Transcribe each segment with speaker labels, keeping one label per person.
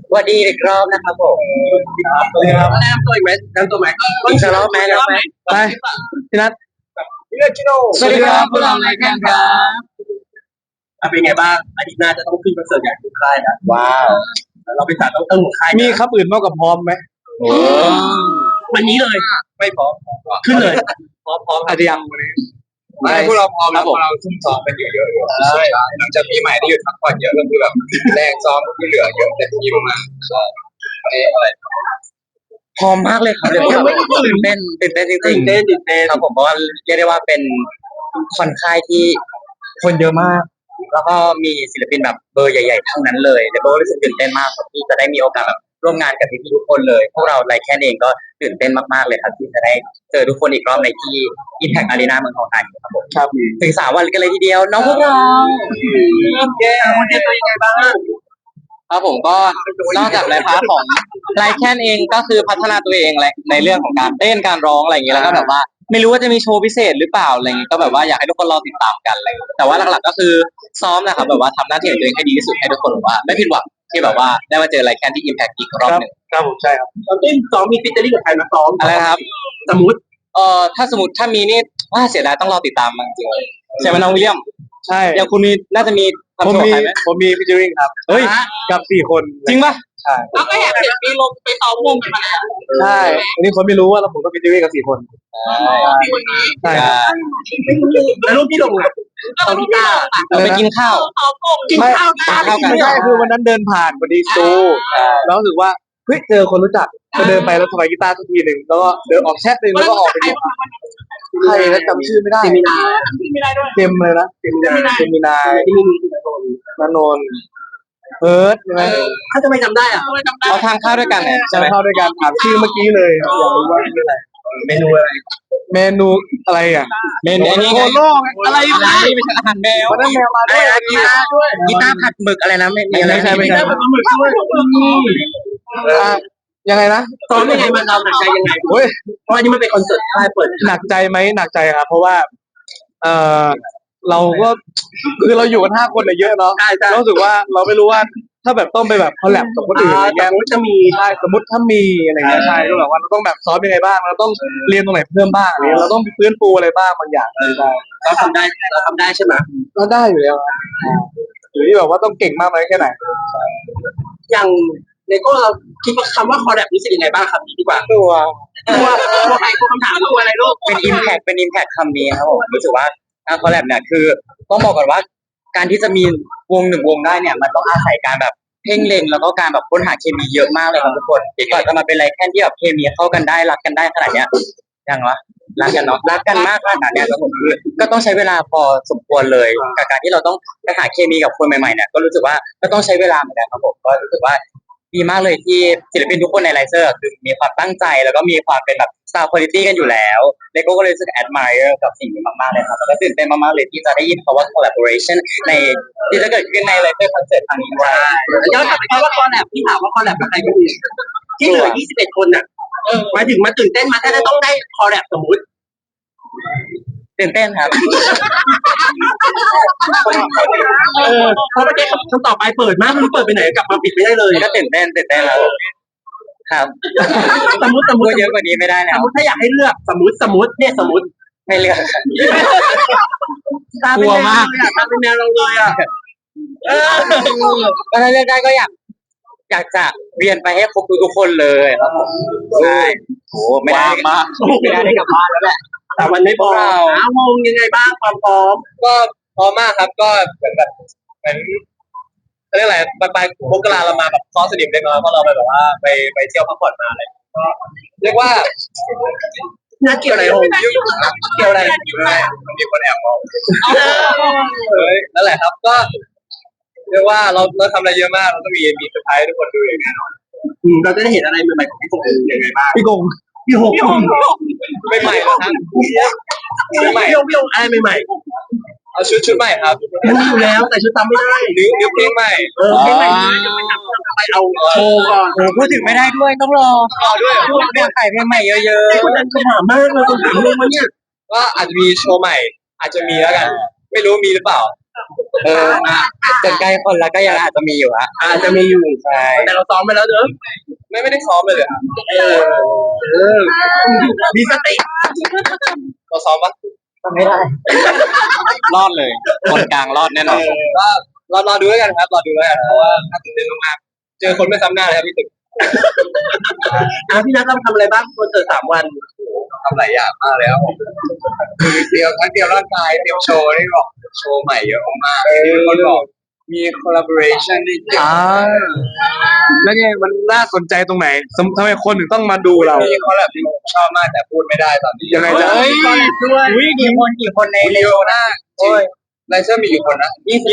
Speaker 1: สวัสดีอีกรอบนะครับผม
Speaker 2: ครับแนะนำตัวอีกไหมแนะนำตัวไหม
Speaker 1: อีกรอบไหมแล้วไหม
Speaker 2: ไปพี่นัทพี่นัทชิโน
Speaker 1: สวัสดีครับพวกเรารายการครับ
Speaker 2: เป็นไงบ้างอาทิตย์หน้าจะต้องขึ้นคอนเสิร์ตใหญ่ทุกค่ายนะ
Speaker 1: ว้าว
Speaker 2: เราเป็นสายต้องหัวค่าย
Speaker 3: มีครับอื่นมากกว่าพร้อมไหม
Speaker 2: วันนี้เลยไม่พร้อมขึ้นเลย
Speaker 3: พร้อมอาจจะยังวันนี้
Speaker 2: ไม่พวกเราพร้อมแล้วพวกเราซุ่มซ้อมกันเยอะๆอยู่ใช่หลังจากปีใหม่ที่หยุดพักผ่อนเยอะก็คือแบบแรงซ้อมที่เหลือเยอะเต็มที่มากๆใช่อะไร
Speaker 1: พร้อมมากเลยครับตื่นเต้นจริงๆ
Speaker 2: ตื่นเต้น
Speaker 1: ครับผมเพราะว่าเรียกได้ว่าเป็นคอนค่ายที่คนเยอะมาก แล้วก็มีศิลปินแบบเบอร์ใหญ่ๆทั้งนั้นเลยแล้วก็รู้สึกตื่นเต้นมากครับที่จะได้มีโอกาสแบบร่วมงานกับพี่ๆทุกคนเลยพวกเราไลแคนเองก็ตื่นเต้นมากๆเลยครับที่จะได้เจอทุกคนอีกรอบในที่ Impact Arena เมืองทองธานีครับผม
Speaker 3: ครับ
Speaker 1: ถึง3 วันกันเลยทีเดียวน้องพวกเรา
Speaker 2: วันนี้ตัวยังไงบ้าง
Speaker 1: ครับผมก็นอกจากในพาร์ทของไลแคนเองก็คือพัฒนาตัวเองในเรื่องของการเต้นการร้องอะไรอย่างเงี้ยแล้วก็แบบว่าไม่รู้ว่าจะมีโชว์พิเศษหรือเปล่าอะไรอย่างเงี้ยก็แบบว่าอยากให้ทุกคนรอติดตามกันอะไรอย่างเงี้ยแต่ว่าหลักๆก็คือซ้อมนะครับแบบว่าทำหน้าที่ของตัวเองให้ดีที่สุดให้ทุกคนแบบว่าไม่ผิดหวังที่แบบว่าได้มาเจอไลแคนที่ Impact อีกรอบหนึ่ง
Speaker 3: ครับผมใช่ครับ
Speaker 2: ตอนต้นซ้อมมีฟิชเจอริ่งกับใครมาซ้อม
Speaker 1: อะไรครับ
Speaker 2: สมมติ
Speaker 1: ถ้าสมมติถ้ามีนี่ว่าเสียดายต้องรอติดตามจริงๆใช่ไหมน้องวิลเลียม
Speaker 3: ใช่
Speaker 1: อย่างคุณมีน่าจะมี
Speaker 3: ผมมีฟิชเจอริ่งครับ
Speaker 1: เฮ้ย
Speaker 3: กับ4 คน
Speaker 1: จริงป่ะ
Speaker 3: ใช่
Speaker 2: แล้วก็แอบเห็นมีลงไปซ้อมวงกันมาแล้ว
Speaker 3: ใช่อันนี้คนไม่รู้ว่าเราผมก็ฟิชเจอริ่งกับ4 คนใช่
Speaker 2: แล้วรูปที่ลงอ่ะตอนที่ตา
Speaker 1: ไปกินข้าว
Speaker 2: กินข้าว
Speaker 3: ไม่ใช่คือวันนั้นเดินผ่านพอดีซูแล้วรู้สึกว่าเฮ้ยเจอคนรู้จักก็เดินไปแล้วสบายกีตาร์สักทีหนึ่งแล้วก็เดินออกแชทหนึ่งแล้วก็ออกไปใครแล้วจำชื่อไม่ได้เต็มเลยนะเต็มมีนายนนนท์เพิร์ดใช่ไหม
Speaker 2: เขาจะไม่จำได้อ่ะ
Speaker 1: เอาทางเข้าด้วยกัน
Speaker 3: ใช่เข้าด้วยกันถามชื่อเมื่อกี้เลยอยากรู้ว่าเป็นอะไร
Speaker 2: เมนูอะไร
Speaker 3: เมนูอะไรอ่ะ
Speaker 1: เมนูนี้ไง
Speaker 2: อะไร
Speaker 1: ไม่ใช่อาหารแมว
Speaker 3: วันนั้นแมวมาด้วย
Speaker 1: กีตาร์ผัดหมึกอะไรนะ
Speaker 3: ไม่ใช่
Speaker 2: ไม่ใช่ผัดหมึกด้วย
Speaker 3: ยังไงนะ
Speaker 2: ซ้อมยังไงมันเราหนักใจยังไงเพราะอันนี้มันเป็นคอนเสิร์ตค่ายเปิด
Speaker 3: หนักใจไหมหนักใจครับเพราะว่าเออเราก็คือเราอยู่กัน5 คนเยอะเนาะรู้สึกว่าเราไม่รู้ว่าถ้าแบบต้องไปแบบคอลแลบกับคนอื่นอะไรเงี้ย
Speaker 2: จะมี
Speaker 3: ใช่สมมติถ้ามีอะไรเงี้ยใช่ก็แบบว่าเราต้องแบบซ้อมยังไงบ้างเราต้องเรียนตรงไหนเพิ่มบ้างอะไรเราต้องฟื้นฟูอะไรบ้างบางอย่าง
Speaker 2: เราทำได้ใช่ไหม
Speaker 3: เราได้อยู่แล้วอยู่ที่แบบว่าต้องเก่งมากไหมแค่ไหน
Speaker 2: อย่างในก็เราคิดว่าคำว่าคอลแลบรู้สึกยังไงบ้างครับดีกว่า
Speaker 3: ตัว
Speaker 2: ใครคำถามตัวอะไรลูก
Speaker 1: เป็น impact คำนี้ครับผมรู้สึกว่าคอลแลบเนี่ยคือต้องบอกก่อนว่าการที่จะมีวง1 วงได้เนี่ยมันต้องอาศัยการแบบเพ่งเล็งแล้วก็การแบบค้นหาเคมีเยอะมากเลยครับทุกคนก่อนจะมาเป็นไรแค่ที่แบบเคมีเข้ากันได้รักกันได้ขนาดเนี้ยยังวะรักกันเนาะรักกันมากขนาดเนี้ยครับผมคือก็ต้องใช้เวลาพอสมควรเลยกับการที่เราต้องไปหาเคมีกับคนใหม่ๆเนี่ยก็รู้สึกว่าก็ต้องใช้เวลาเหมือนกันครับผมก็รู้สึกว่าดีมากเลยที่ศิลปินทุกคนในไลเซอร์คือมีความตั้งใจแล้วก็มีความเป็นแบบซาวด์คุณภาพกันอยู่แล้วเลโก้ก็เลยรู้สึก admire กับสิ่งนี้มากๆเลยครับแล้วก็ตื่นเต้นมากๆเลยที่จะได้ยินคำว่า collaboration ในที่จะเกิดขึ้นในไลเซอร์คอนเสิร์ตครั้งนี้ด้วย
Speaker 2: ย้อนกลับไปว่าคอลแลบที่ถามว่าคอลแลบกับใครก็มีที่เหลือ21 คนน่ะหมายถึงมาตื่นเต้นมาถ้าจะต้องได้คอลแลบสมมุติ
Speaker 1: ตื่นเต้นครับ
Speaker 2: เพราะไม่ได้คำตอบไปเปิดมากไม่รู้เปิดไปไหนกลับมาปิดไม่ได้เลย
Speaker 1: ก็ตื่นเต้นแล้วครับ
Speaker 2: สมมติ
Speaker 1: เยอะกว่านี้ไม่ได้แล้ว
Speaker 2: สมมติถ้าอยากให้เลือกสมมติเนี่ยสมมติ
Speaker 1: ไม่เลือก
Speaker 2: กลัวมากตาเป็นแมวเราเลยอ่ะ
Speaker 1: ก็ถ้าเลือกได้ก็อยากจะเรียนไปให้ครบทุกคนเลยครับผมใช่โอ้ไม่ได้กลับบ้านแล้วแหละ
Speaker 2: แต่มันไม่พอวงยังไงบ้างความพร้อม
Speaker 3: ก็พร้อมมากครับก็เหมือนเรียกอะไรไปมกราเรามาแบบซ้อมสนิมเล็กน้อยเพราะเราไปแบบว่าไปเที่ยวพักผ่อนมาเลยก็เรียกว่า
Speaker 2: น่าเกี่ยวอะไรโอ้เกี่ยวอะไร
Speaker 3: มันมีคนแอบมองนั่นแหละครับก็เรียกว่าเราทำอะไรเยอะมากเราต้องมีเซอร์ไพรส์ทุกคนดูอย่างแน่นอน
Speaker 2: เราจะได้เห็นอะไรใหม่ๆของพี่กงยังไงบ้าง
Speaker 3: พี่กง
Speaker 2: ไม่
Speaker 3: ใหม่ครับ
Speaker 2: ไม่ใหม่พี่กงอะไรใหม่
Speaker 3: เอาชุดใหม่ครับ
Speaker 2: มีอยู่แล้วแต่ชุดทำไม่ได้
Speaker 3: นิ้วเพลงใหม่
Speaker 2: เพลงใหม่ไปเอาโชว์ก่อน
Speaker 1: พูดถึงไม่ได้ด้วยต้องรอด้วยขายเพลงใหม่เยอะ
Speaker 2: ๆคนนั้นคำถามมากเลยคำถามเรื่องมันเนี่ย
Speaker 3: ก็อาจจะมีโชว์ใหม่อาจจะมีแล้วกันไม่รู้มีหรือเปล่า
Speaker 1: จนใกล้คนแล้วก็ยังอาจจะมีอยู่ฮะ
Speaker 4: อาจจะมีอยู่
Speaker 1: ใช่
Speaker 4: แต่เราซ้อมไปแล้วเนอะ
Speaker 2: ไม่ได้ซ้อมเลยครับ
Speaker 4: มีสติ
Speaker 2: เราซ้อมปะ
Speaker 1: ก็ไม่ได้
Speaker 3: รอดเลยคนกลางรอดแน่นอน
Speaker 2: ก็รอดูแล้วกันครับรอดูแล้วกันเพราะว่าน่าตื่นเต้นมากๆเจอคนไม่ซ้ำหน้าเลยครับพี่ตึก
Speaker 4: พี่นัทเราทำอะไรบ้างคอนเสิร์ต3 วัน
Speaker 2: ทำหลายอย่างมากเลยครับผมเตรียมทั้งเตรียมร่างกายเตรียมโชว์นี่บอกโชว์ใหม่เยอะมากมีคนบอกมี collaboration นี่เยอะ
Speaker 3: แล้วไงมันน่าสนใจตรงไหนทำไมคนถึงต้องมาดูเรา
Speaker 2: มีคอลแลบที่ผมชอบมากแต่พูดไม่ได้ตอนนี้
Speaker 3: ยังไงจ๊ะ
Speaker 1: เฮ้ยอุ้ยกี่คนใน
Speaker 2: เยอะมากจริงไลเซอร์มีกี่คนนะ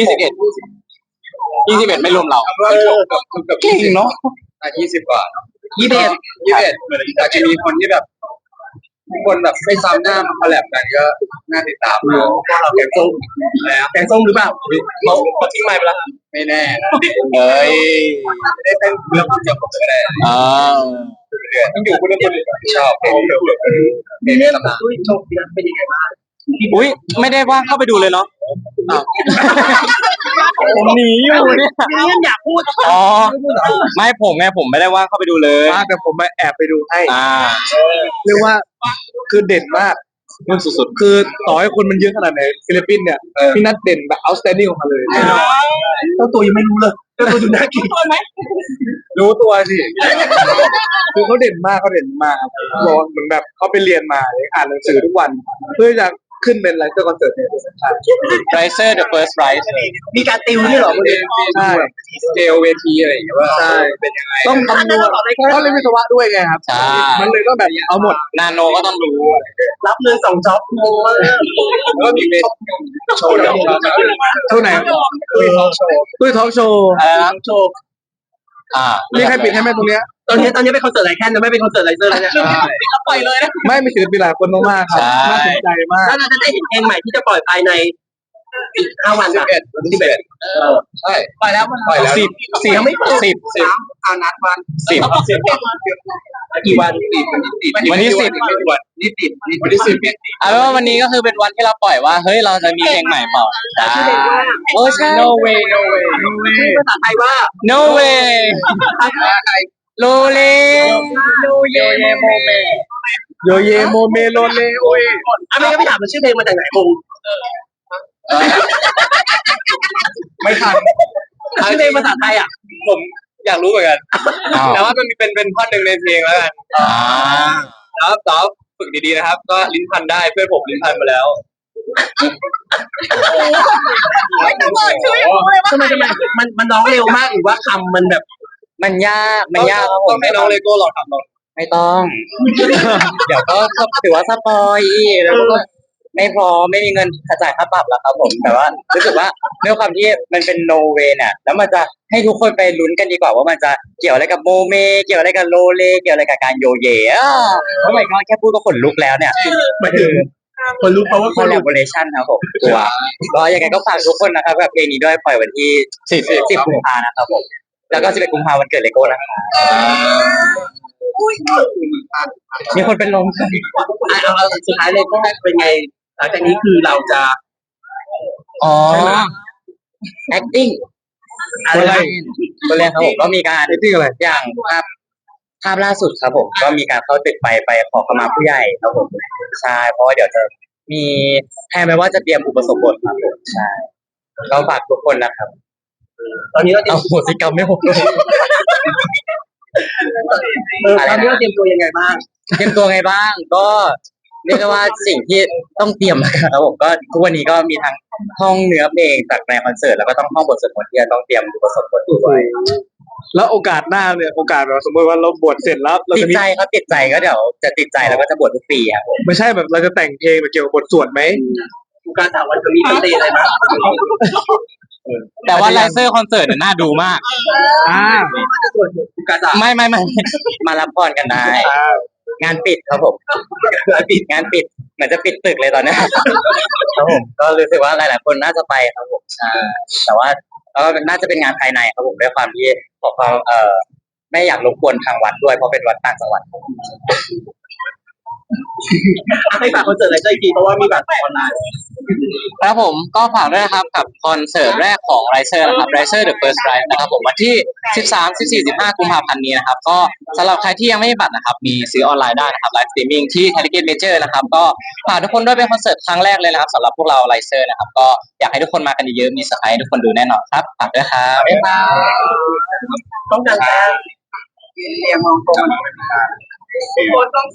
Speaker 3: 21ไม่รวมเรา
Speaker 2: เก่งเนาะ20 กว่า 21อาจจะมีคนที่แบบทุกคนแบบไม่ซ้ำหน้ามาคอลแลบกันก็น่าติดตามเนาะพวกเราแกงส้มแล้ว
Speaker 4: แกงส้มหรือเปล่าเขาทิ้งไม้ไปแล้ว
Speaker 2: ไม่แน่นะ
Speaker 3: เฮ้ย
Speaker 2: ไม่ได้เต้นเรื่องเดียวผมก็ได้
Speaker 3: อ่า
Speaker 2: ต้องอยู่คนเดียวชอบเพลงเดียว
Speaker 4: มีเรื่องของตุ้ยโชคดีเป็นยังไงบ้าง
Speaker 3: อุ้ยไม่ได้ว่างเข้าไปดูเลยเนาะผมหนีอยู่เนี่ย
Speaker 4: มีเรื่องอยากพูด
Speaker 3: อ๋อไม่ผมไงผมไม่ได้ว่างเข้าไปดูเลยแต่ผมมาแอบไปดูให้เรียกว่าคือเด่นมากมันสุดๆคือต่อให้คนมันเยอะขนาดไหนฟิลิปปินส์เนี่ยพี่นัทเด่นแบบ outstanding ของเขาเลย
Speaker 4: เจ้าตัวยังไม่รู้เลยเจ้าตัวดูน่ากินไหม
Speaker 3: รู้ตัวสิคือเขาเด่นมากบอกว่าเหมือนแบบเขาไปเรียนมาเลยอ่านหนังสือทุกวัน เพื่อจะขึ้นเป็นไลเซอร์คอนเสิร์ตเนี่ยไลเซอร์ the first rise
Speaker 4: มีการติวนี่หรอคุณเอง
Speaker 3: ใช่
Speaker 2: สเกลเวทีอะไรอย่างเงี้ยว่า
Speaker 3: ใช่
Speaker 2: เป็นยังไง
Speaker 3: ต้องคำนวณเขาเรียนวิศวะด้วยไงครับมันเลยต้องแบบเอาหมดนาโนก็ต้องรู้
Speaker 4: รับเงิน2 จ็อบงงมาก
Speaker 2: แล้วก็มีเวทีโชว์เดียวกัน
Speaker 3: เท่าไหน
Speaker 2: คือทอล์กโชว์
Speaker 3: ตุ้ยทอล์กโชว์
Speaker 4: โชว์
Speaker 3: นี่ใครปิดให้ไหมตรงเนี้ย
Speaker 4: ตอนนี้เป็นคอนเสิร์ตไรแค่นะไม่เป็นคอนเสิร์ตไรเซอร์แล้วเนี่ยปล่อยเลยนะ
Speaker 3: ไม่มีศิลปินหลายคนมากๆครับน่าสนใจมาก
Speaker 4: แล้วเราจะได้เห็นเพลงใหม่ที่จะปล่อยภายในอีก5 วัน
Speaker 2: วันที่11ใช่
Speaker 4: ปล่อยแล้ว
Speaker 3: 10
Speaker 4: ยังไม่
Speaker 3: 10
Speaker 4: เอานัดวัน
Speaker 3: 10
Speaker 4: กี่วัน
Speaker 3: วันที่10
Speaker 2: วันที่10
Speaker 3: เอาเป็นว่าวันนี้ก็คือเป็นวันที่เราปล่อยว่าเฮ้ยเราจะมีเพลงใหม่เปล่าโอ้ใช่ no way
Speaker 4: ชื่อภาษาไทยว่า
Speaker 3: no way โลเลโยเยโมเมโลเลโอ้ย
Speaker 4: ไม่ก็ไม่ถามมันชื่อเพลงมาจากไหนงง
Speaker 3: ไม่ทัน
Speaker 4: ชื่อเพลงภาษาไทยอ่ะ
Speaker 2: ผมอยากรู้เหมือนกันแต่ว่ามันเป็นท่อนหนึ่งในเพลงแล้วกันแล้วต่อฝึกดีๆนะครับ ก็ลิ้นพันได้เพื่อนผมลิ้นพันมาแล้ว
Speaker 4: ทำไมมันร้องเร็วมากหรือว่าคำมันแบบ
Speaker 1: มันยากครับผ
Speaker 2: ต้อ
Speaker 1: ม
Speaker 2: งให้น้องเลโก้ลองทำลอง
Speaker 1: ไม่ต้อง เดี๋ยวก็ถือว่าสปอยแล้วก็ไม่พร้อมไม่มีเงินจ่ายค่าปรับแล้วครับผมแต่ว่ารู้สึกว่าด้วยความที่มันเป็นโนเวเนี่ยแล้วมันจะให้ทุกคนไปลุ้นกันดีกว่าว่ามันจะเกี่ยวอะไรกับโมเมเกี่ยวอะไรกับโลเลเกี่ยวอะไรกับการโยเยเพราะไม่ก็แค่พูดก็ขนลุกแล้วเนี่ย
Speaker 4: หมายถึงคนรู้เพราะว่า
Speaker 1: คอลแลบอเรชั่นครับผมตัวก็ยังไงก็ฝากทุกคนนะครับกับเพลงนี้ด้วยปล่อยวันที่10 กุมภานะครับผมแล้วก็11 กุมภาวันเกิดเลโก้นะครับมีคนเป็นลม
Speaker 4: เอาสุดท้ายเลยก็เป็นไงหลังจากนี้คือเราจะ
Speaker 1: อ๋อ acting
Speaker 4: อะไร
Speaker 1: ตัวแรกครับผมก็มีการ
Speaker 3: acting อะไร
Speaker 1: อย่างภาพล่าสุดครับผมก็มีการเข้าตึกไปขอขมาผู้ใหญ่ครับผมใช่เพราะว่าเดี๋ยวจะมีแทนไปว่าจะเตรียมอุปสมบทครับผมใช่ก็ฝากทุกคนนะครับ
Speaker 4: ตอนนี้เราเตรีย
Speaker 1: เอา
Speaker 4: ม
Speaker 1: โหสิกรรมไม่หกเลย
Speaker 4: ตอนนี้เราเตรียมตัวยังไงบ้าง
Speaker 1: เตรียมตัวไงบ้างก็เรียกได้ว่าสิ่งที่ต้องเตรียมนะครับผมก็ทุกวันนี้ก็มีทั้งห้องเนื้อเพลงจากในคอนเสิร์ตแล้วก็ต้องห้องบทสวดมนต์ที่จะต้องเตรียมอุปสมบทด้วย
Speaker 3: แล้วโอกาสหน้าเนี่ยโอกาสแบบสมมติว่าเราบวชเสร็จแล้วเรา
Speaker 1: ติด
Speaker 3: จะมี
Speaker 1: ใจครับติดใจก็เดี๋ยวจะติดใจแล้วก็จะบวชทุกปีครับผม
Speaker 3: ไม่ใช่แบบเราจะแต่งเพลงแบบเกี่ยวกับบทสวดไหม
Speaker 4: การถามวันจะมีคอนเสิร์ตอะไรมั้ย
Speaker 3: แต่ว่าไลเซอร์คอนเสิร์ตน่าดูมาก
Speaker 4: การถาม
Speaker 1: ไม่มารับพรกันได้ งานปิดครับผมงานปิดเหมือนจะปิดตึกเลยตอนนี้ครับผมก็รู้สึกว่าหลายๆคนน่าจะไปครับผมใช่แต่ว่าก็น่าจะเป็นงานภายในครับผมด้วยความที่ขอความไม่อยากรบกวนทางวัดด้วยเพราะเป็นวัดต่างจังหวัด
Speaker 4: ให้ฝากคอนเสิร์ตอะไรอีกทีเพราะว่ามีบัตรออนไลน์
Speaker 1: ครับผมก็ฝากด้วยนะครับกับคอนเสิร์ตแรกของ Riser นะครับ Riser The First Ride นะครับผมวันที่ 13 14 15 กุมภาพันธ์นี้นะครับก็สำหรับใครที่ยังไม่มีบัตรนะครับมีซื้อออนไลน์ได้นะครับไลฟ์สตรีมมิ่งที่ Ticket Major นะครับก็ฝากทุกคนด้วยเป็นคอนเสิร์ตครั้งแรกเลยนะครับสำหรับพวกเรา Riser นะครับก็อยากให้ทุกคนมากันเยอะๆมีเซอร์ไพรส์ให้ทุกคนดูแน่นอนครับฝากด้วยครับบ๊ายบาย
Speaker 4: ต้องการการเรียงมองตรง